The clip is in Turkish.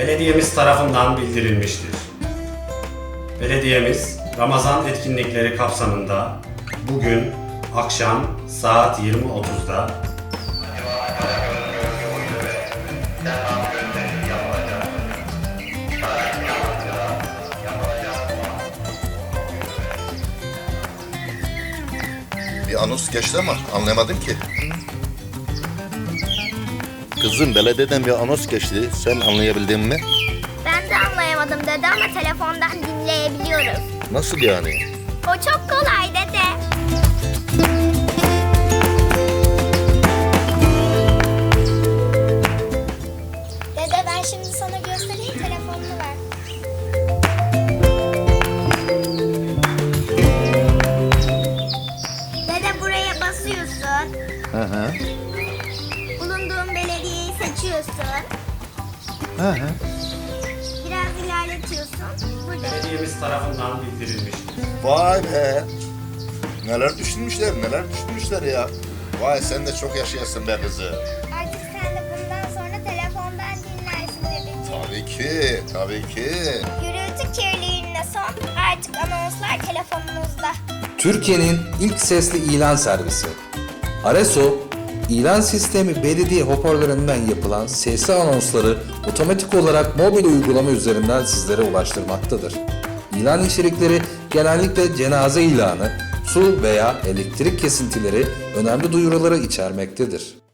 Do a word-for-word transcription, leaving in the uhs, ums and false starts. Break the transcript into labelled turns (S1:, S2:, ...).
S1: belediyemiz tarafından bildirilmiştir. Belediyemiz Ramazan etkinlikleri kapsamında bugün akşam saat yirmi otuzda
S2: Bir anons geçti ama anlamadım ki.
S3: Kızım, belediyeden bir anons geçti. Sen anlayabildin mi?
S4: Ben de anlayamadım dede ama telefondan dinleyebiliyoruz.
S3: Nasıl yani?
S4: O çok kolay dede. Dede ben şimdi sana göstereyim, telefonunu ver. Dede buraya basıyorsun.
S3: Hı hı.
S4: Bulunduğun belediyeyi seçiyorsun.
S3: Hı hı.
S4: Biraz ilerletiyorsun. Burada.
S1: belediyemiz tarafından bildirilmiştir.
S2: Vay be. Neler düşünmüşler, neler düşünmüşler ya. Vay sen de çok yaşayasın be kızı.
S4: Artık sen de bundan sonra telefondan dinlersin dedeciğim.
S2: Tabii ki, tabii ki.
S4: Gürültü kirliliğine son. Artık anonslar telefonunuzda.
S5: Türkiye'nin ilk sesli ilan servisi. Areso, ilan sistemi belediye hoparlöründen yapılan sesli anonsları otomatik olarak mobil uygulama üzerinden sizlere ulaştırmaktadır. İlan içerikleri genellikle cenaze ilanı, su veya elektrik kesintileri önemli duyuruları içermektedir.